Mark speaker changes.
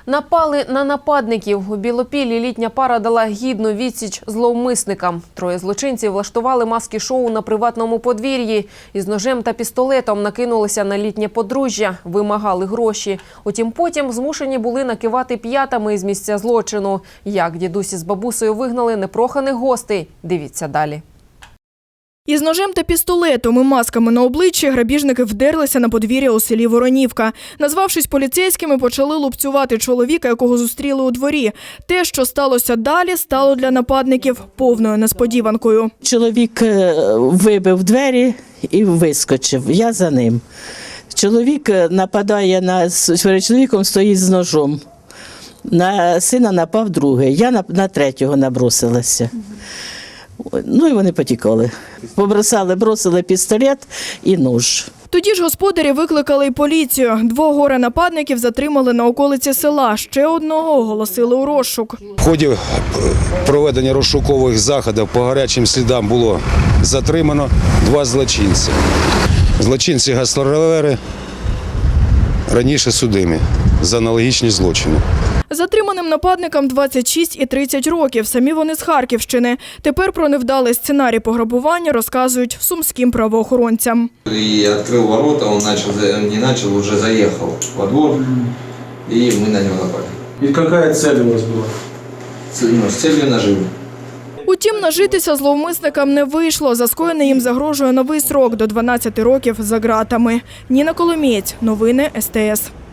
Speaker 1: Напали на нападників. У Білопіллі літня пара дала гідну відсіч зловмисникам. Троє злочинців влаштували маски-шоу на приватному подвір'ї. Із ножем та пістолетом накинулися на літнє подружжя, вимагали гроші. Утім, потім змушені були накивати п'ятами із місця злочину. Як дідусь із бабусею вигнали непроханих гостей? Дивіться далі.
Speaker 2: Із ножем та пістолетом і масками на обличчі грабіжники вдерлися на подвір'я у селі Воронівка. Назвавшись поліцейськими, почали лупцювати чоловіка, якого зустріли у дворі. Те, що сталося далі, стало для нападників повною несподіванкою.
Speaker 3: Чоловік вибив двері і вискочив. Я за ним. Чоловік нападає перед чоловіком стоїть з ножом. На сина напав другий. Я на третього набросилася. Ну і вони потікали. Бросили пістолет і нож.
Speaker 2: Тоді ж господарі викликали й поліцію. 2 горе-нападників затримали на околиці села. Ще одного оголосили у розшук.
Speaker 4: В ході проведення розшукових заходів по гарячим слідам було затримано 2 злочинці. Злочинці-гастролери раніше судимі за аналогічні злочини.
Speaker 2: Затриманим нападникам 26 і 30 років. Самі вони з Харківщини. Тепер про невдалий сценарій пограбування розказують сумським правоохоронцям.
Speaker 5: Я відкрив ворота, він вже заїхав во двор, і ми на нього напали.
Speaker 6: І яка цель у вас була?
Speaker 5: З целью наживи.
Speaker 2: Утім, нажитися зловмисникам не вийшло. За скоєне їм загрожує новий срок до 12 років за ґратами. Ніна Коломієць. Новини СТС.